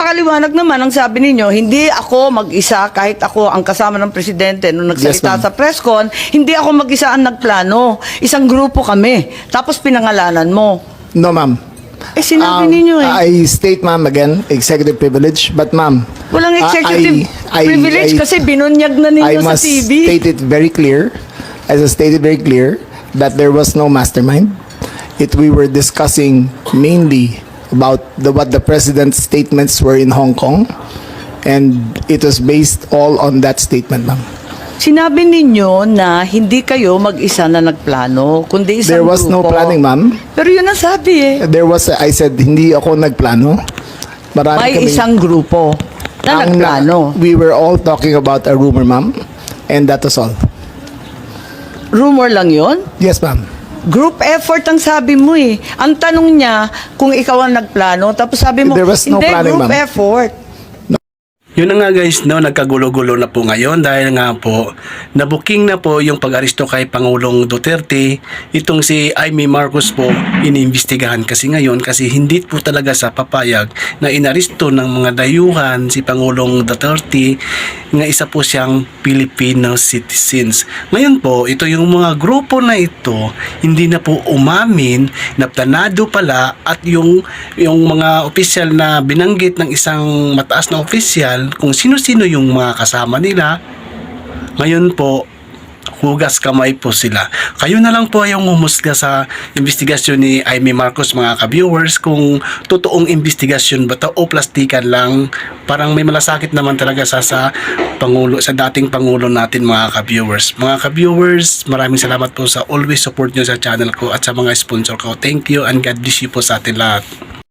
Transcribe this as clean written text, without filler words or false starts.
napakaliwanag naman ang sabi ninyo, hindi ako mag-isa kahit ako ang kasama ng presidente nung nagsalita Yes, ma'am. sa press con, hindi ako mag-isa ang nagplano. Isang grupo kami. Tapos pinangalanan mo. No, ma'am. Eh sinabi ninyo eh. I state, ma'am, again, executive privilege. But, ma'am, Walang executive privilege kasi binunyag na I ninyo sa must TV. state it very clear, as I stated very clear, that there was no mastermind. We were discussing mainly about what the president's statements were in Hong Kong, and it was based all on that statement, ma'am. Sinabi ninyo na hindi kayo mag-isa na nagplano, kundi isang There was no grupo. planning, ma'am. Pero yun ang sabi eh. I said, hindi ako nagplano. Marami May kaming- isang grupo na Ang nagplano. we were all talking about a rumor, ma'am, and that was all. Rumor lang yun? Yes, ma'am. Group effort ang sabi mo eh. Ang tanong niya kung ikaw ang nagplano, tapos sabi mo, There was no hindi, planning, group ma'am. effort. Yun na nga guys, no, nagkagulo-gulo na po ngayon dahil nga po nabuking na po yung pag-aresto kay Pangulong Duterte. Itong si Amy Marcos po iniimbestigahan kasi ngayon kasi hindi po talaga sa papayag na inaresto ng mga dayuhan si Pangulong Duterte nga isa po siyang Filipino citizens. Ngayon po, ito yung mga grupo na ito hindi na po umamin na planado pala at yung mga opisyal na binanggit ng isang mataas na opisyal kung sino-sino yung mga kasama nila. Ngayon po, hugas kamay po sila. Kayo na lang po yung humusga sa investigasyon ni Amy Marcos, mga ka-viewers, kung totoong investigasyon ba to o plastikan lang. Parang may malasakit naman talaga sa Pangulo, sa dating Pangulo natin, mga ka-viewers. Mga ka-viewers, maraming salamat po sa always support nyo sa channel ko at sa mga sponsor ko. Thank you and God bless you po sa atin lahat.